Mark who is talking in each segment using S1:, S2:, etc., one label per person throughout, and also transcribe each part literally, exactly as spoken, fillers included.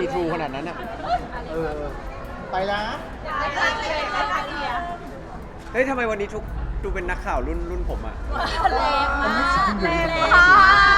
S1: ซีทรูขนาดนั้นอ่ะ
S2: เออไปละ
S1: เฮ้ยทำไมวันนี้ทุกดูเป็นนักข่าวรุ่นรุ่นผมอ่ะ
S3: แรงมากแรงมาก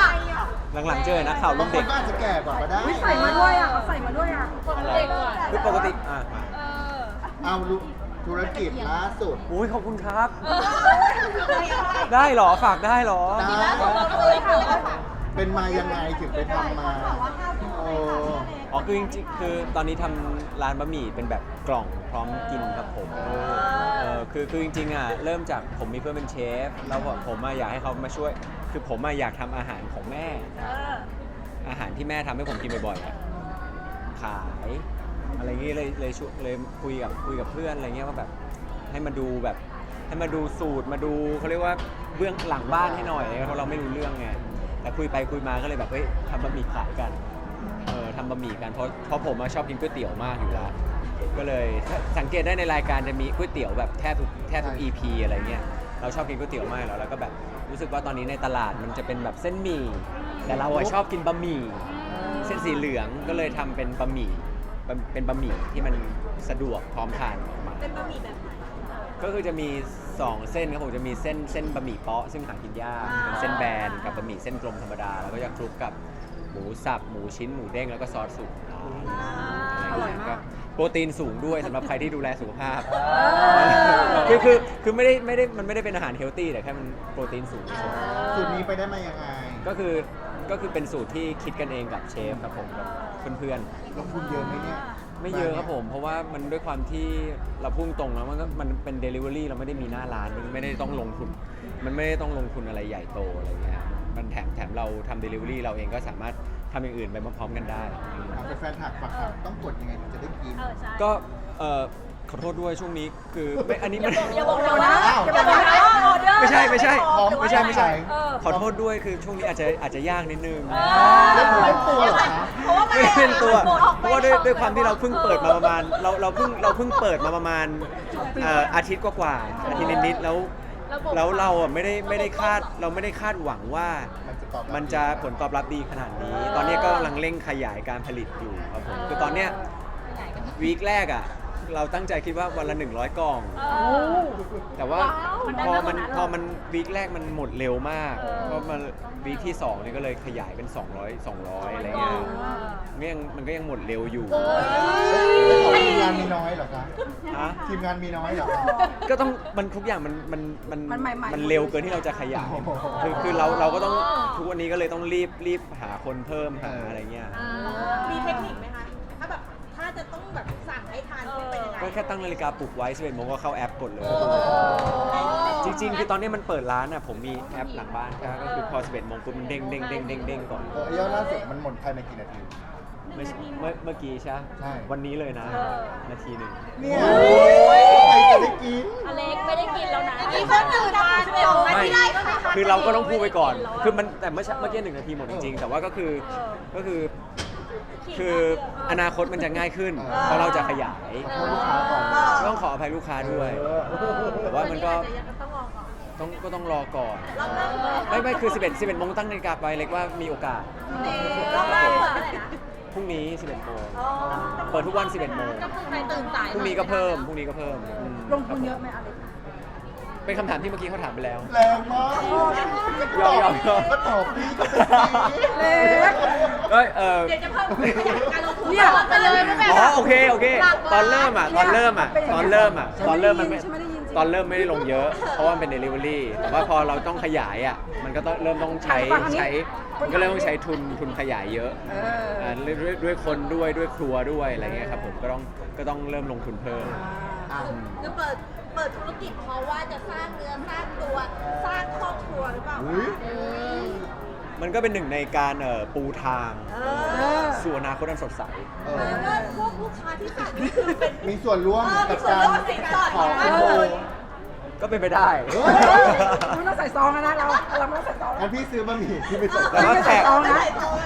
S1: หลังๆเจอนักข่าว
S2: บา
S1: รุ่
S2: ง
S1: น
S2: ค
S1: เด็
S2: น
S1: ก
S2: ก็อาจจะแก่กว่าก็ได้
S3: ใส่มาด้วยอ่ะเขาใส่มาด้วยอ่ะ
S1: อะไรคือปกติอ่ะมา
S2: เอาลูกธุรกิจล่าสุด
S1: อุ้ยขอบคุณครับ ได้เหรอฝากได้เหรอ
S2: ได้เป็นมายังไงถึงไปทำมาโอ้
S1: อ๋อคือจริงๆคือตอนนี้ทำร้านบะหมี่เป็นแบบกล่องพร้อมกินครับผมเออคือคือจริงๆอ่ะเริ่มจากผมมีเพื่อนเป็นเชฟแล้วผมอะอยากให้เขามาช่วย คือผมอะอยากทำอาหารของแม่ อาหารที่แม่ทำให้ผมกินบ่อยๆอะขายอะไรอย่างงี้เลยเลยชวนเลยคุยกับคุยกับเพื่อนอะไรเงี้ยว่าแบบให้มาดูแบบให้มาดูสูตรมาดูเขาเรียกว่าเบื้องหลังบ้านให้หน่อยเพราะเราไม่รู้เรื่องไงแต่คุยไปคุยมาก็เลยแบบเฮ้ยทำบะหมี่ขายกันเออทำบะหมี่กันเพราะเพราะผมอะชอบกินก๋วยเตี๋ยวมากอยู่แล้วก็เลยสังเกตได้ในรายการจะมีก๋วยเตี๋ยวแบบแทบทุกแทบทุก อี พี อะไรเงี้ยเราชอบกินก๋วยเตี๋ยวมากแล้วแล้วก็แบบรู้สึกว่าตอนนี้ในตลาดมันจะเป็นแบบเส้นหมี่แต่เราอะชอบกินบะหมี่เส้นสีเหลืองก็เลยทำเป็นบะหมี่เป็นบะหมี่ที่มันสะดวกพร้อมทานออกมาเป็นบะหมี่แบบไหนก็คือจะมีสองเส้นครับผมจะมีเส้นเส้นบะหมี่เปาะซึ่งหากินยากเป็นเส้นแบนกับบะหมี่เส้นกลมธรรมดาแล้วก็จะคลุกกับหมูสับหมูชิ้นหมูเด้งแล้วก็ซอสสูตรอะไรอย่างเงี้ยก็โปรตีนสูงด้วยสำหรับใครที่ดูแลสุขภาพคือคือคือไม่ได้ไม่ได้มันไม่ได้เป็นอาหารเฮลตี้แต่แค่มันโปรตีนสูงเฉย
S2: สูตรนี้ไปได้มายังไง
S1: ก็คือก็คือเป็นสูตรที่คิดกันเองกับเชฟครับผมกับเพื่อนๆ
S2: ลงทุนเยอะไหมเนี่ย
S1: ไม่เยอะครับผมเพราะว่ามันด้วยความที่เราพุ่งตรงแล้วมันก็มันเป็น Delivery เราไม่ได้มีหน้าร้านมันไม่ได้ต้องลงทุนมันไม่ได้ต้องลงทุนอะไรใหญ่โตอะไรเงี้ยมันแถมแถมเราทำ Delivery เราเองก็สามารถทำอย่างอื่นไปพร้อมๆกันได้
S2: เอาไปแฟนถักฝักถักต้องกดยังไงถึงจะได้กิน
S1: ก็เอ่อขอโทษด้วยช่วงนี้คือไม่อันนี้มัน
S3: อย่าบอกเรานะ
S2: อ้าว
S3: อย่าบอกเรานะออเดอร์
S1: ไม่ใช่ไม่ใช่
S2: พร้อม
S1: ไม่ใช่ไม่ใช่
S3: เออ
S1: ขอโทษด้วยคือช่วงนี้อาจจะอาจจะยากนิดนึง
S2: เล่นเล่นตัวเหรอคะ
S3: เพราะว่า
S1: ไม่ได้เป็นตัว
S3: หมดออก
S1: เพ
S3: ไป
S1: ราะว่าด้วยด้วยความที่เราเพิ่งเปิดมาประมาณเราเราเพิ่งเราเพิ่งเปิดมาประมาณเอ่ออาทิตย์กว่าๆอาทิตย์นิดๆแล้วแล้วเราอ่ะไม่ได้ไม่ได้คาดเราไม่ได้คาดหวังว่า
S2: มันจะตอบรับ
S1: มันจะผลตอบรับดีขนาดนี้ ตอนนี้ก็กำลังเร่งขยายการผลิตอยู่ครับผมคือตอนเนี้ยวีคแรกอ่ะเราตั้งใจคิดว่าวันละหนึ่งร้อยกล่อง แต่ว่าพอมันพอมันวีคแรกมันหมดเร็วมากเพราะมันวีคที่สองนี่ก็เลยขยายเป็นสองร้อย สองร้อยอะไรเงี้ยมันก็ยังมันก็ยังหมดเร็วอยู่
S2: ทีมงานมีน้อยเหรอคะ
S1: ฮะ
S2: ทีมงานมีน้อยเหรอคะ
S1: ก็ต้องมันทุกอย่างมันมันมัน
S3: มันใหม่ๆ
S1: มันเร็วเกินที่เราจะขยาย
S2: โอ้โห
S1: คือคือเราเราก็ต้องทุกวันนี้ก็เลยต้องรีบรีบหาคนเพิ่มหาอะไรเงี้ย
S4: มีเทคนิคไหมคะ ถ้าแบบถ้าจะต้องแบบสั่งให้ทานเป็นยังไง
S1: ก็แค่ตั้งนาฬิกาปลุกไว้สิบเอ็ดโมงก็เข้าแอปกดเลย จริงๆ คือตอนนี้มันเปิดร้านอ่ะผมมีแอปหลังบ้านก็คือพอสิบเอ็ดโมงปุ๊บมันเด้งเด้งเด้งเด้งเด้งก่อน
S2: เออยอดล่าสุดมันหมดภายในกี่นาที
S1: เมื่อเมื่อเมื่อกี้ใช่
S2: ใช่
S1: วันนี้เลยนะ นาทีหนึ่ง
S2: เนี่ยใครจะได้กิน
S3: อเล็กไม่ได้กินแล้วนะ
S4: มีคนตื่นมาสองนา
S1: ไม่
S4: ทีได้ก็ไม่ทัน
S1: คือเราก็ต้องพูดไปก่อน คือมันแต่เมื่อเมื่อกี้หนึ่งนาทีหมดจริงๆ แต่ว่าก็คือก็คือคืออนาคตมันจะง่ายขึ้น เพราะเราจะขยาย
S2: ขอโทษลูกค้าก่อน
S1: ต้องขออภัยลูกค้าด้วย แต่ว่ามันก็ต้องก็ต้องรอก่อน ไม่ไม่คือสิบเอ็ด สิบเอ็ดโมงตั้งนาฬิกาไปเล็กว่ามีโอกาส
S4: รอบแรกเปิดเท่าไหร่นะ
S1: พรุ่งนี้สิบเอ็ดโมงเปิดทุกวันสิบเอ็ดโมง
S4: ใครตื่นสาย
S1: พรุ่งนี้ก็เพิ่มพรุ่งนี้ก็เพิ่มอืม
S3: ลงทุนเยอะไหมอเล็ก
S1: เป็นคำถามที่เมื่อกี้เขาถามไปแล้ว
S2: แรงมาก
S1: ยอมยอมยอม
S2: ก็ตอบพี่ก็เป็นพี่
S3: เล็ก
S1: เอ้ยเออ
S4: เดี๋ยวจะเพิ่มการลงทุน
S3: เนี่ย
S4: ไปเลยไม่แบ่ง
S1: อ๋อโอเคโอเค ตอนเริ่มอ่ะตอนเริ่มอ่ะตอนเริ่มอ่ะตอนเริ่มมันไม่
S3: ฉันไม่ได้ยิน
S1: ตอนเริ่มไม่ได้ลงเยอะ เพราะว่ามันเป็น delivery แต่ว่าพอเราต้องขยายอ่ะมันก็ต้องเริ่มต้องใช้ใช้มันก็เริ่มต้องใช้ทุนทุนขยายเยอะ
S3: เอออ่
S1: าด้วยด้วยด้วยคนด้วยด้วยครัวด้วยอะไรเงี้ยครับผมก็ต้องก็ต้องเริ่มลงทุนเพิ่ม
S2: อ่ะ
S4: คือเปิดเปิดธุรกิจเพราะว่าจะสร้างเนื้อสร้างตัวสร้างครอบครัวหรือเปล่า
S2: อุ๊ย
S1: มันก็เป็นหนึ่งในการเอ่อปูทาง
S4: เอ
S3: เอ
S4: อ
S3: อ
S1: สู่อนาคตอันสดใส
S2: เออ
S4: แล้วก็พวกลูกค้าที่สั่งนี่คือเป็น
S2: มีส่วนร่วม
S4: เออมี
S2: กับ
S4: ส่วน
S2: การ
S4: ร่วมในการ
S2: ขอ
S4: ขอ
S2: คุณ
S4: มาก
S2: โบ
S4: เลย
S1: ก็เป็นไปได้
S2: เฮ้ย
S3: ไม่ต้องใส่ซองแล้วนะเราเราไม่ต้องใส่ซอง
S2: งั้นพี่ซื้อบะหมี่ที่ไปส่ง
S1: แต่ว่าแขก
S3: ซองนะ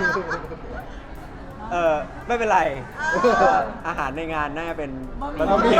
S1: เออไม่เป็นไร อาหารในงานน่าจะเป็น
S2: บะหมี่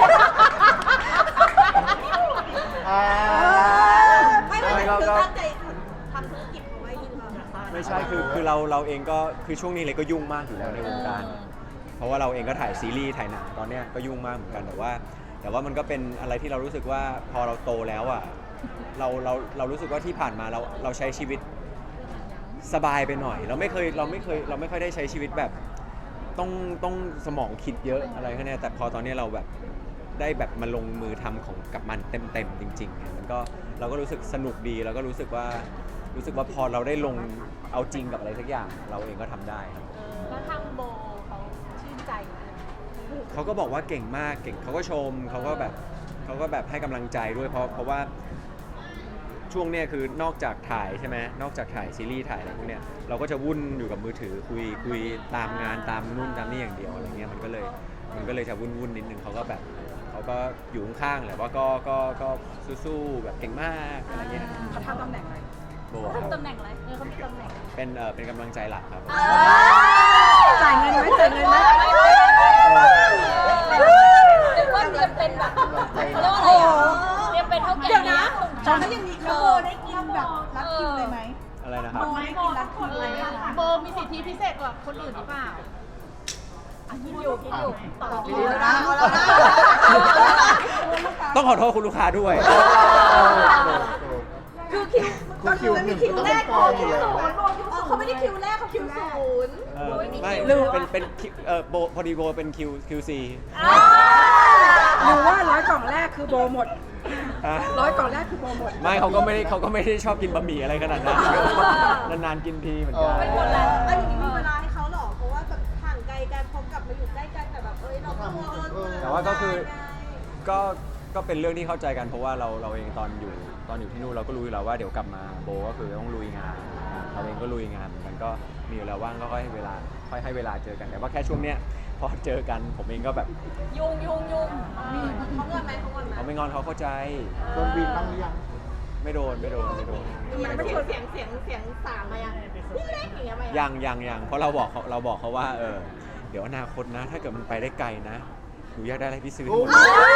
S2: อ่า
S4: ไม่ไม่คือตั้งใจทำธุรกิจเพราะว่ายินดี
S1: ไม่ใช่คือคือเราเราเองก็คือช่วงนี้เลยก็ยุ่งมากอยู่แล้วในวงการเพราะว่าเราเองก็ถ่ายซีรีส์ถ่ายหนังตอนเนี้ยก็ยุ่งมากเหมือนกันแต่ว่า แต่ว่ามันก็เป็นอะไรที่เรารู้สึกว่าพอเราโตแล้วอ่ะเราเราเรารู้สึกว่าที่ผ่านมาเราเราใช้ชีวิตสบายไปหน่อย เราไม่เคยเราไม่เคยเราไม่ค่อยได้ใช้ชีวิตแบบต้องต้องสมองคิดเยอะอะไรแค่นี้แต่พอตอนนี้เราแบบได้แบบมาลงมือทำของกับมันเต็มๆจริงๆเนี่ยมันก็เราก็รู้สึกสนุกดีแล้วก็รู้สึกว่ารู้สึกว่าพอเราได้ลงเอาจริงกับอะไรสักอย่างเราเองก็ทำได้ครับ
S3: แล้วทางโบเขาชื่นใจไหม
S1: เขาก็บอกว่าเก่งมากเก่งเขาก็ชมเขาก็แบบเขาก็แบบให้กำลังใจด้วยเพราะเพราะว่าช่วงเนี้ยคือนอกจากถ่ายใช่ไหมนอกจากถ่ายซีรีส์ถ่ายอะไรพวกเนี้ยเราก็จะวุ่นอยู่กับมือถือคุยคุยตามงานตามนู่นตามนี่อย่างเดียวอะไรเงี้ยมันก็เลยมันก็เลยจะวุ่นวุ่นนิดนึงเขาก็แบบเขาก็อยู่ข้างๆแหละว่าก็ก็ก็สู้ๆแบบเก่งมากอะไรเงี้ย
S3: เขาทำตำแหน่งอะไร
S1: โบครับ
S3: ตำแหน่งอะไรเออเขามีตำแหน่ง
S1: เป็นเออเป็นกำลังใจหลักครับ
S3: จ่ายเงินไหมจ่ายเงินไหมเรียกว่าเตรียมเป็นแบบเขาเรียกว่าอะไรอ่ะเตรียมเป็นเท่าแก่นี้
S4: ตอนนี้ยังมีโบได้กินแบบรับคิวเลยไหม
S1: อะไรนะครับ
S4: โบได้กินรับคิวเลยไหมคะ
S3: โบมีสิทธิพิเศษกว่าคนอื่นหรือเปล่าอ่ะคิดอยู่คิดอยู่ตอบ
S2: ดีนะ
S1: ต้องขอโทษคุณลูกค้าด้วย
S4: คือคิว
S2: คือคิวหนึ่งก็ต้องเป็นกองอยู่แล้ว
S4: เขาไม่ได้คิวแรกเขาคิวศูนย์
S1: เออไม่เป็นเป็นคิวเออโบพอดีโบเป็นคิวคิวซี
S3: หรือว่าร้อยกล่องแรกคือโบหมด
S1: ฮะ
S3: ร้อยกล่องแรกคือโบหมด
S1: ไม่เขาก็ไม่ได้เขาก็ไม่ได้ชอบกินบะหมี่อะไรขนาดนั้นนานๆกินทีเหมือนกัน
S4: เป็นคนละอันนี้มีเวลาให้เขาหรอ เพราะว่าแบบห่างไกลกันพอกลับมาอยู่ใกล้กันแต่แบบเอ้ยเราตัวเออ
S1: แต่ว่าก็คือก็ก็เป็นเรื่องที่เข้าใจกันเพราะว่าเราเราเองตอนอยู่ตอนอยู่ที่นู่นเราก็รู้อยู่แล้วว่าเดี๋ยวกลับมาโบก็คือต้องลุยงานเราเองก็ลุยงานเหมือนกันก็มีเวลาว่างก็ค่อยให้เวลาค่อยให้เวลาเจอกันแต่ว่าแค่ช่วงเนี้ยพอเจอกันผมเองก็แบบ
S3: ยุ่งยุ่งยุ่ง
S4: เขาเงินไหมเขาเงินไหม
S1: เขาไม่งอนเขาเข้าใจ
S2: โดนบินบ้างหรือยัง
S1: ไม่โดนไม่โดนไม่โดน
S4: มันไม่เสียงเสียงเสียงสามมายังนี่เล็กอย่างเงี้ยมา
S1: ยังยังยังเพราะเราบอกเขาเราบอกเขาว่าเออเดี๋ยวอนาคตนะ ถ้าเกิดมันไปได้ไกลนะหนูอยากได้อะไรพี่ซื้อให้หมดเลย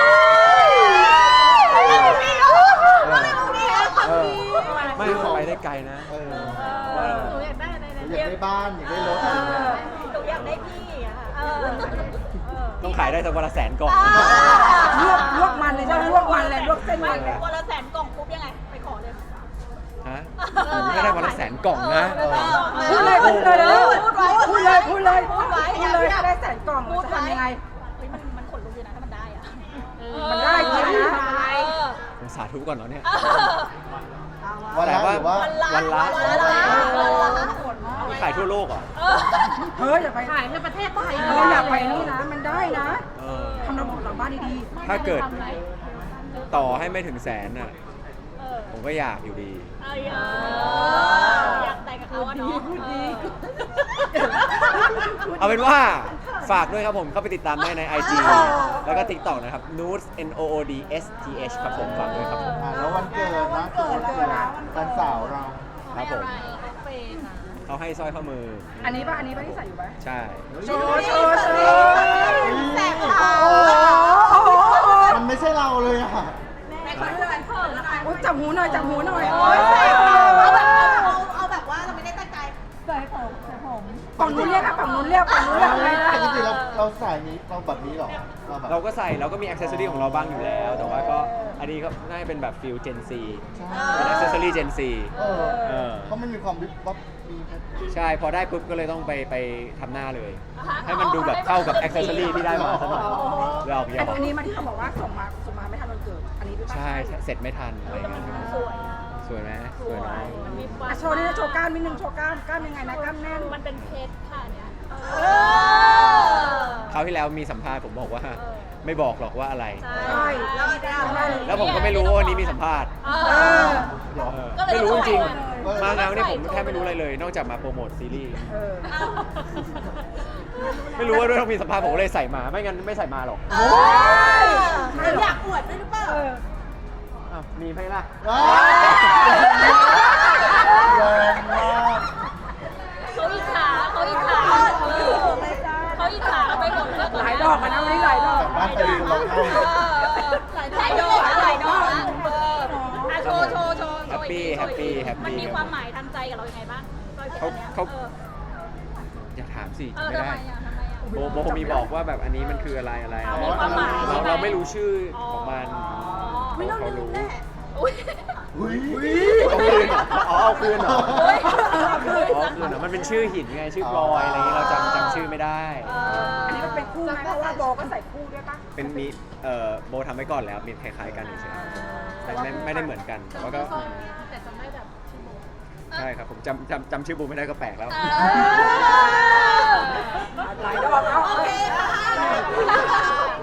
S2: เออ
S1: ไม่มันไปได้ไกลนะ
S2: เออ
S1: ว่า
S3: หนูอยากได้อะไร
S2: อยากได้บ้านอยากได้รถอะไรเงี้ย
S4: หนูอยากได้พี่อ่ะเออ
S1: ต้องขายได้สักวันละแสนกล่อง
S3: ลวกลวกมันเลยจ้ะลวกมันเลยลวกเส้นมันเลย
S4: วันละแสนกล่องปุ๊บยังไงไปขอเลย
S1: ฮะผมก็ได้วันละแสนกล่องนะ
S3: พูดเลยพูดเลย
S4: พูดไว้
S3: พูดเลยพูดเลย
S4: พูดไว้
S3: พูดเลยได้แสนกล่องจะทำยังไง
S4: เฮ้ยมันมันขนลุกอยู่นะถ้ามันได้อ่ะ
S3: มันได้จริงนะ
S1: ผมสาธุก่อนเนาะเนี่ย
S2: วันละ
S1: แต่ว่า
S2: หรือว่า
S1: วันละ
S4: วันละวันละ
S1: ขายทั่วโลกเหรอ่ะ
S3: เฮ้ยอย่าไปขายในประเทศไทยเราอยากไปนี่นะ มันได้นะ
S1: เออ
S3: ทำระบบหลังบ้านดีๆ
S1: ถ้าเกิดต่อให้ไม่ถึงแสนน่ะผมก็อยากอยู่ดี
S4: อยากแต่งกับเขาอะเนาะ
S1: เอาเป็นว่าฝากด้วยครับผมเข้าไปติดตามได้ใน ไอ จี แล้วก็ TikTok นะครับ Noods N O O D S T H ครับผมฝากด้วยครับผม
S2: อ่าแล้ววันเกิดนะคือวันเกิดแฟนสาวเรา
S1: ครับผมเขาให้สร้อยข้อมือ
S3: อันนี้ป่ะ อันนี้ป่ะที่ใส่อยู่ป่ะ
S1: ใช่
S3: โชว์โชว์โชว์
S4: แสบขา
S3: โอ้โห
S2: มันไม่ใช่เราเลยอ่ะ
S4: แม่เขาจะเป็นเพิ่มแล้วนะ
S3: อุ๊ยจับหูหน่อยจับหูหน่อย
S4: โอ้ยแสบขาเอาแบบเอาเอาแบบว่าเราไม่ได้ตั้งใจใส่ผมใส่ผม
S3: ฝั่งนู้นเรียกอะฝั่งนู้นเรียกฝั่งนู้นเรียกอะไรนะ
S2: ปกติเราเราใส่นี้เราแบบนี้เหรอเราแบบ
S1: เราก็ใส่เราก็มีอ c เซสซอรี่ของเราบ้างอยู่แล้ว แต่ว่าก็อันนี้ก็น่าจะเป็นแบบฟิล Gen Z เป็นอ c เซสซอรี่ Gen Z
S2: เออ
S1: เออ
S2: เพราะมันมีความวิบวับมี
S1: ใช่ พอได้ปุ๊บก็เลยต้องไปไปทำหน้าเลย ให้มันดูแบบเข้ากับอ c เซสซอรี่ที่ได้มาซะหน่อยหยอกหย
S3: ไอ้
S1: อก
S3: ตรงนี้มาที่เขาบอกว่าส่งมาส่งมาไม่ทันวันเกิด อันนี้หรือเปล่า
S1: ใช่เสร็จไม่ทันอะไรอย่างเงี้ย
S4: สวย
S1: สวยไหมสวยเนาะ
S3: อ่ะโชว์นี่โชว์กล้ามนิดนึงโชว์กล้ามกล้ามยังไงนะกล้ามแน่น
S4: มันเป็นเพชรค่ะเนี่ย
S1: คราวที่แล้วมีสัมภาษณ์ผมบอกว่า ไม่บอกหรอกว่าอะไร
S3: ใช่
S4: แล้วก็ได้
S1: แล้วผมก็ไม่รู้ว่าวันนี้มีสัมภาษณ์
S3: เออ
S1: เออไม่รู้จริงๆมางานเนี่ยผมแทบไม่รู้อะไรเลย นอกจากมาโปรโมทซีรีส์
S3: เออ
S1: ไม่รู้ว่าด้วยต้องมีสัมภาษณ์ผมก็เลยใส่มา ไม่งั้นไม่ใส่มาหรอก
S4: โอ้ยอยากอวดด้วยหรือเปล่า
S3: เออ
S1: อ้าวมีไหมล่ะ
S2: ว้าวแรงมาก
S4: เขาอิจฉาเขาอิจฉาเขาอิจฉาเราไปหมดเลย
S3: หลายดอกมานะวันนี้หลายดอก
S2: กลับบ้านไปดูร้องไห้
S4: หลายดอกหลายดอกอ่ะโชว์โชว์โชว์
S1: แฮปปี้แฮปปี้แฮป
S4: มัน
S1: ปี้
S4: มีความหมายทางใจกับเรายังไงบ้าง
S1: เขาเขาอย่าถามสิ
S4: เออ
S1: ไม่
S4: ทำ
S1: ได้
S4: ไมอ่ะทำไมอ่ะ
S1: โบโบคงมีบอกว่าแบบอันนี้มันคืออะไรอะไร
S4: อ๋อมีความหมาย
S1: เรา
S4: ใช่ไหม
S1: เราไม่รู้ชื่อของมัน
S4: ไม่ต้อง
S1: เขา
S4: ลืม
S1: รู้
S4: แน่อุ้ย
S2: อุ้ย
S1: เอาคืนเหรออ๋อเอาคืนเหรอ
S4: เฮ้ย
S1: อ๋อคืนเหรอมันเป็นชื่อหินไงชื่อพลอยอะไรอย่างงี้เราจำจำชื่อไม่ได้
S3: อันนี้มันเป็นคู่ไหมเพราะว่าโบก็ใส่คู่ด้วยปะ
S1: เป็นมีเอ่อโบทำไว้ก่อนแล้วมีคล้ายๆกันเฉยๆแต่ไม่ไม่ได้เหมือนกันแล้วก็
S3: แต่จะไม่แบบชื่อโบ
S1: ใช่ครับผมจำจำจำชื่อโบไม่ได้ก็แปลกแล้ว
S4: เออ
S3: หลายดอกเอา
S4: โอเคค่ะ